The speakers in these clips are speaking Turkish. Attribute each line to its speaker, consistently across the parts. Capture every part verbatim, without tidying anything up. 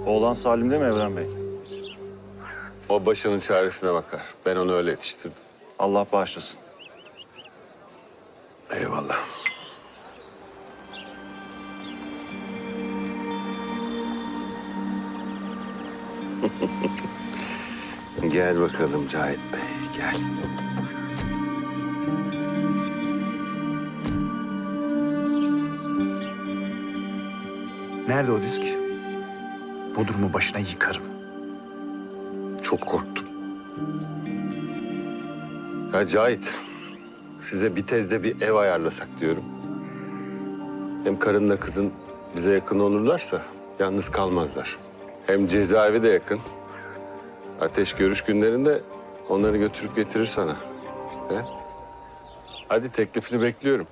Speaker 1: Oğlan Salim'de mi Evren Bey?
Speaker 2: O başının çaresine bakar. Ben onu öyle yetiştirdim.
Speaker 1: Allah bağışlasın.
Speaker 2: Eyvallah. Gel bakalım Cahit Bey, gel.
Speaker 3: Nerede o disk? Bodrum'u başına yıkarım.
Speaker 2: Çok korktum. Ya Cahit, size bir tezde bir ev ayarlasak diyorum. Hem karınla kızın bize yakın olurlarsa yalnız kalmazlar. Hem cezaevi de yakın. Ateş görüş günlerinde onları götürüp getirir sana. He? Hadi teklifini bekliyorum.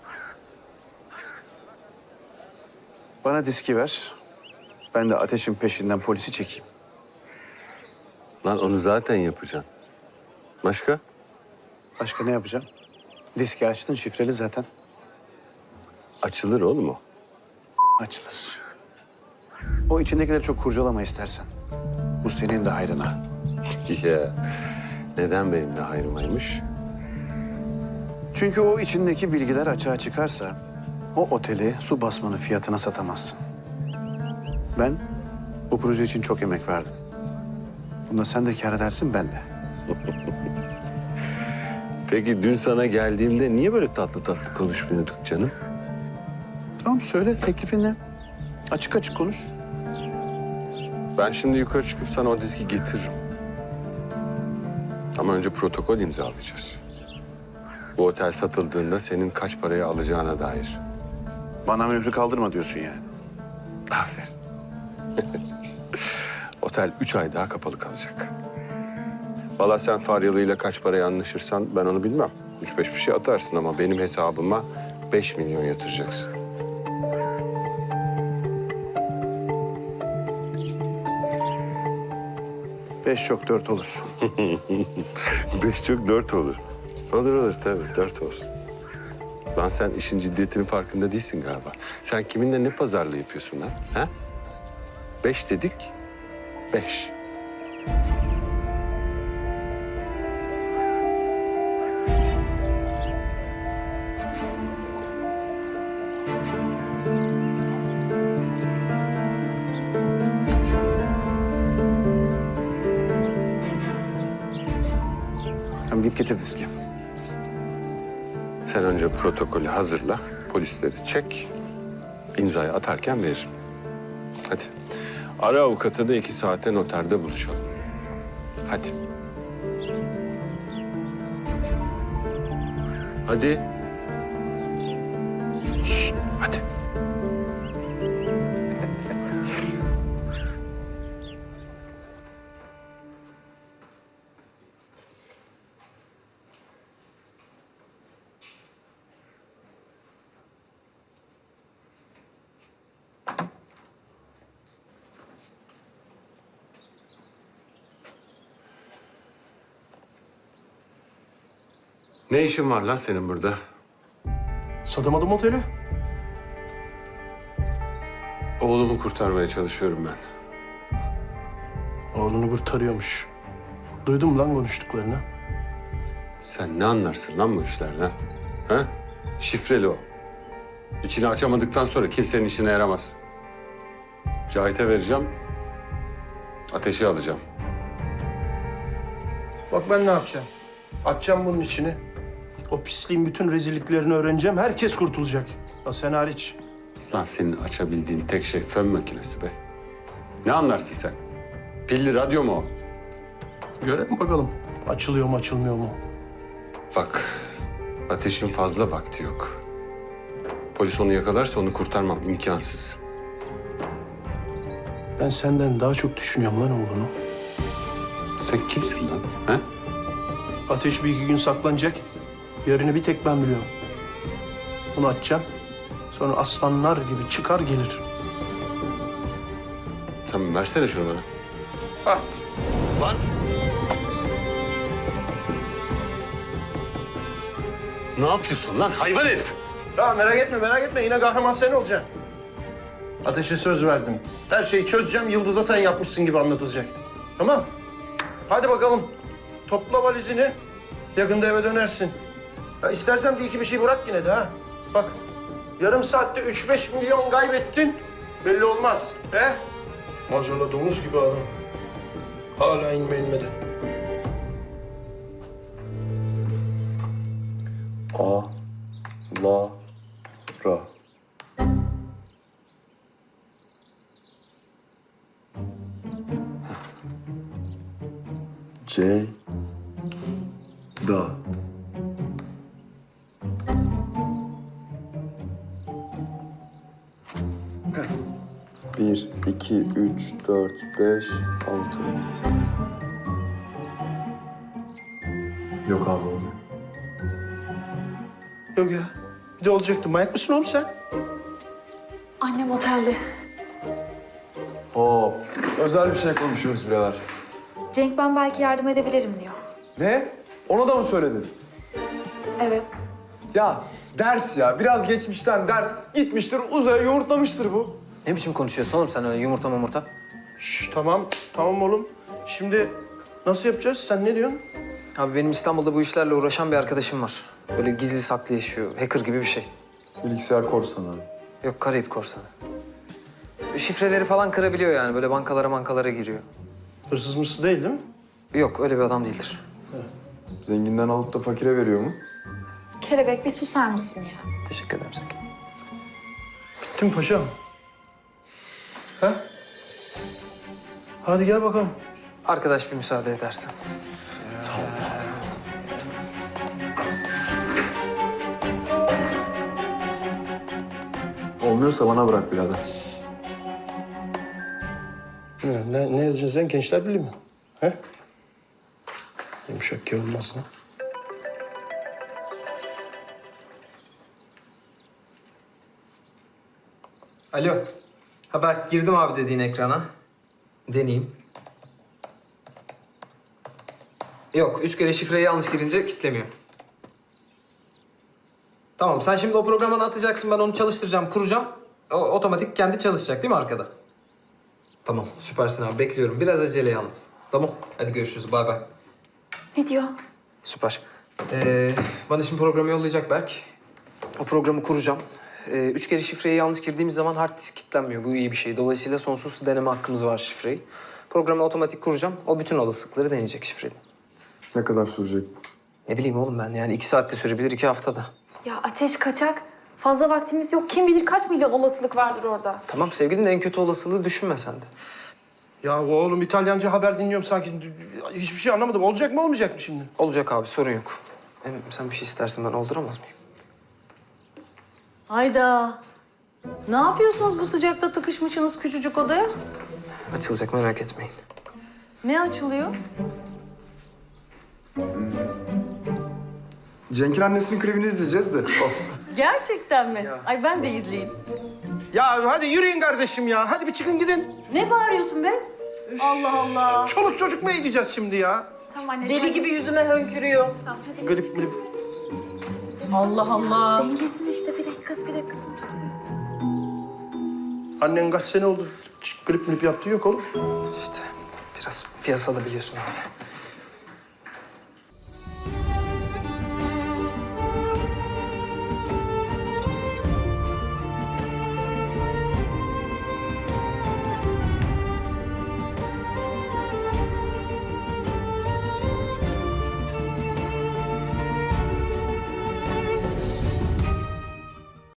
Speaker 3: Bana diski ver. Ben de Ateş'in peşinden polisi çekeyim.
Speaker 2: Lan onu zaten yapacaksın. Başka?
Speaker 3: Başka ne yapacağım? Diski açtın, şifreli zaten.
Speaker 2: Açılır oğlum o.
Speaker 3: Açılır. O içindekileri çok kurcalama istersen. Bu senin de hayrına.
Speaker 2: Ya neden benim de hayrımaymış?
Speaker 3: Çünkü o içindeki bilgiler açığa çıkarsa... o oteli su basmanın fiyatına satamazsın. Ben bu proje için çok emek verdim. Bunda sen de kâr edersin, ben de.
Speaker 2: Peki dün sana geldiğimde niye böyle tatlı tatlı konuşmuyorduk canım?
Speaker 3: Tamam, söyle teklifin ne? Açık açık konuş.
Speaker 2: Ben şimdi yukarı çıkıp sana o diski getiririm. Ama önce protokol imzalayacağız. Bu otel satıldığında senin kaç paraya alacağına dair.
Speaker 3: Bana mührü kaldırma diyorsun yani.
Speaker 2: Aferin. Otel üç ay daha kapalı kalacak. Vallahi sen Faryalı ile kaç paraya anlaşırsan ben onu bilmem. Üç beş bir şey atarsın ama benim hesabıma beş milyon yatıracaksın.
Speaker 3: Beş çok dört olur.
Speaker 2: Beş çok dört olur. Olur olur tabii dört olsun. Lan sen işin ciddiyetinin farkında değilsin galiba. Sen kiminle ne pazarlığı yapıyorsun lan? Ha? Beş dedik, beş.
Speaker 3: Tamam, git getir diski.
Speaker 2: Sen önce protokolü hazırla, polisleri çek, imzayı atarken veririm. Hadi. Ara avukatı da iki saate noterde buluşalım. Hadi. Hadi. Şşt, hadi. Ne işin var lan senin burada?
Speaker 4: Satamadım oteli.
Speaker 2: Oğlumu kurtarmaya çalışıyorum ben.
Speaker 4: Oğlunu kurtarıyormuş. Duydum lan konuştuklarını.
Speaker 2: Sen ne anlarsın lan bu işlerden? Ha? Şifreli o. İçini açamadıktan sonra kimsenin işine yaramaz. Cahit'e vereceğim. Ateşi alacağım.
Speaker 4: Bak ben ne yapacağım? Açacağım bunun içini. O pisliğin bütün rezilliklerini öğreneceğim. Herkes kurtulacak. Ya sen hariç.
Speaker 2: Lan senin açabildiğin tek şey fön makinesi be. Ne anlarsın sen? Pilli radyo mu o?
Speaker 4: Görelim bakalım. Açılıyor mu açılmıyor mu?
Speaker 2: Bak, Ateş'in fazla vakti yok. Polis onu yakalarsa onu kurtarmam imkansız.
Speaker 4: Ben senden daha çok düşünüyorum lan oğlunu.
Speaker 2: Sen kimsin lan? Ha?
Speaker 4: Ateş bir iki gün saklanacak. Yerini bir tek ben biliyorum. Bunu açacağım. Sonra aslanlar gibi çıkar gelir.
Speaker 2: Sen versene şunu bana.
Speaker 4: Ah.
Speaker 2: Lan! Ne yapıyorsun lan hayvan herif?
Speaker 4: Tamam merak etme merak etme. Yine kahraman sen olacaksın. Ateşe söz verdim. Her şeyi çözeceğim, Yıldız'a sen yapmışsın gibi anlatılacak. Tamam. Hadi bakalım. Topla valizini. Yakında eve dönersin. Ya istersen bir iki bir şey bırak yine de ha. Bak, yarım saatte üç beş milyon kaybettin. Belli olmaz. He? Maşallah domuz gibi adam. Hala inme inmedi.
Speaker 5: A, la, ra. C, da. Bir, iki, üç, dört, beş, altı. Yok abi olmuyor.
Speaker 4: Yok ya. Bir de olacaktı. Manyak mısın oğlum sen?
Speaker 6: Annem otelde.
Speaker 5: Oo, özel bir şey konuşuyoruz birader.
Speaker 6: Cenk ben belki yardım edebilirim diyor.
Speaker 5: Ne? Ona da mı söyledin?
Speaker 6: Evet.
Speaker 5: Ya ders ya, biraz geçmişten ders. Gitmiştir uzaya yoğurtlamıştır bu.
Speaker 7: Ne biçim konuşuyorsun oğlum sen öyle yumurta mumurta?
Speaker 4: Şş, tamam. Tamam oğlum. Şimdi nasıl yapacağız? Sen ne diyorsun?
Speaker 7: Abi benim İstanbul'da bu işlerle uğraşan bir arkadaşım var. Böyle gizli saklı yaşıyor, hacker gibi bir şey.
Speaker 5: Bilgisayar korsanı.
Speaker 7: Yok Karayip korsanı. Şifreleri falan kırabiliyor yani, böyle bankalara bankalara giriyor.
Speaker 4: Hırsız mısın değil değil mi?
Speaker 7: Yok öyle bir adam değildir.
Speaker 5: Zenginden alıp da fakire veriyor mu?
Speaker 6: Kelebek bir susar mısın ya?
Speaker 7: Teşekkür ederim Sakin.
Speaker 4: Bittim paşam. Ha? Hadi gel bakalım.
Speaker 7: Arkadaş bir müsaade edersen.
Speaker 5: Olmuyorsa bana bırak birader.
Speaker 4: Ne, ne, ne yazacaksın sen? Gençler Birliği mi? He? Yumuşak ki olmaz lan.
Speaker 7: Alo. Haber girdim abi dediğin ekrana. Deneyeyim. Yok, üç kere şifreyi yanlış girince kilitlemiyor. Tamam, sen şimdi o programdan atacaksın, ben onu çalıştıracağım, kuracağım. O otomatik kendi çalışacak değil mi arkada? Tamam, süpersin abi, bekliyorum. Biraz acele yalnız. Tamam, hadi görüşürüz, bay bay.
Speaker 6: Ne diyor?
Speaker 7: Süper. Ee, bana şimdi programı yollayacak Berk. O programı kuracağım. Ee, üç kere şifreyi yanlış girdiğimiz zaman hard disk kilitlenmiyor. Bu iyi bir şey. Dolayısıyla sonsuz deneme hakkımız var şifreyi. Programı otomatik kuracağım. O bütün olasılıkları deneyecek şifreyi.
Speaker 5: Ne kadar sürecek?
Speaker 7: Ne bileyim oğlum ben yani iki saatte sürebilir, iki haftada.
Speaker 6: Ya ateş kaçak. Fazla vaktimiz yok. Kim bilir kaç milyon olasılık vardır orada.
Speaker 7: Tamam sevgilim de en kötü olasılığı düşünme sen de.
Speaker 4: Ya oğlum İtalyanca haber dinliyorum sanki. Hiçbir şey anlamadım. Olacak mı olmayacak mı şimdi?
Speaker 7: Olacak abi, sorun yok. Hem sen bir şey istersen ben olduramaz mıyım?
Speaker 8: Hayda. Ne yapıyorsunuz bu sıcakta tıkışmışsınız küçücük odaya?
Speaker 7: Açılacak, merak etmeyin.
Speaker 8: Ne açılıyor?
Speaker 5: Cenk'in annesinin klibini izleyeceğiz de. Oh.
Speaker 8: Gerçekten mi? Ay ben de izleyeyim.
Speaker 4: Ya hadi yürüyün kardeşim ya. Hadi bir çıkın gidin.
Speaker 8: Ne bağırıyorsun be? Allah Allah.
Speaker 4: Çoluk çocuk mu eğleyeceğiz şimdi ya?
Speaker 6: Tamam anne.
Speaker 8: Deli gibi yüzüme hönkürüyor.
Speaker 6: Tamam, hadi.
Speaker 4: Grip grip.
Speaker 8: Allah Allah.
Speaker 6: Dengesiz işte. Bir dakika kız, bir dakika kızım.
Speaker 4: Annen kaç sene oldu grip grip yaptığı yok oğlum.
Speaker 7: İşte biraz piyasada biliyorsun abi.